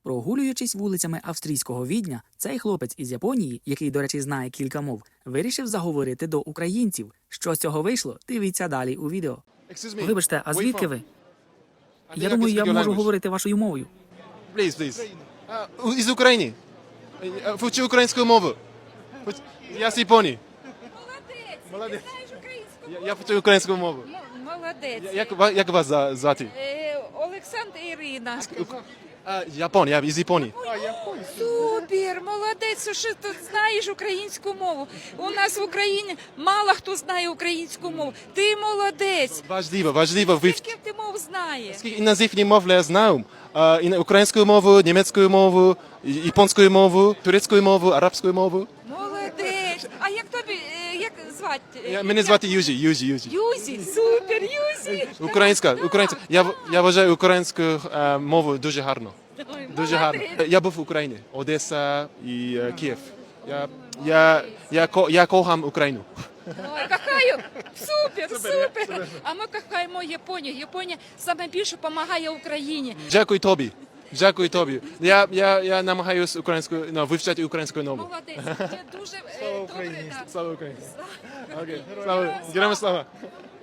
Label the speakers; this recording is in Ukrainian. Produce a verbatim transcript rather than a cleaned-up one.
Speaker 1: Прогулюючись вулицями австрійського Відня, цей хлопець із Японії, який, до речі, знає кілька мов, вирішив заговорити до українців. Що з цього вийшло, дивіться далі у відео. Вибачте, а звідки ви? Я думаю, я можу говорити вашою мовою.
Speaker 2: Please, please. Uh, із України. Вчи українську мову. Я з Японії.
Speaker 3: Молодець!
Speaker 2: Молодець.
Speaker 3: Ти знаєш українську
Speaker 2: Я, я вчу українську мову.
Speaker 3: М- Молодець.
Speaker 2: Як, ва- як вас за- звати?
Speaker 3: Е, Олександр і Ірина.
Speaker 2: А, Япон, я із Японії.
Speaker 3: Супер, молодець, що ти знаєш українську мову. У нас в Україні мало хто знає українську мову. Ти молодець.
Speaker 2: Важливо, важливо вивчити.
Speaker 3: Скільки ти мов знаєш?
Speaker 2: Скільки іноземні мови я знаю. А, і українську мову, німецьку мову, японську мову, турецьку мову, арабську мову.
Speaker 3: Молодець. А як тобі, е, як звати?
Speaker 2: Я, мене звати Южі, Южі, Южі.
Speaker 3: Юзі, супер, Юзі.
Speaker 2: Українська, українська. Я, в- я вважаю українську е, мову дуже гарно.
Speaker 3: Ой,
Speaker 2: Дуже гарно.
Speaker 3: молодець.
Speaker 2: Я був в Україні, Одеса і е, Київ. Я, я, я, ко- я кохам Україну.
Speaker 3: Ой, кохаю, супер, супер. А ми кохаємо Японію. Японія саме більше допомагає Україні.
Speaker 2: Дякую тобі. Дякую тобі. Я, я, я намагаюся українською, ну, вивчати українську мову.
Speaker 3: Молодець, це дуже е, добре. Да.
Speaker 2: Слава Україні. Окей. Слава. Героям слава.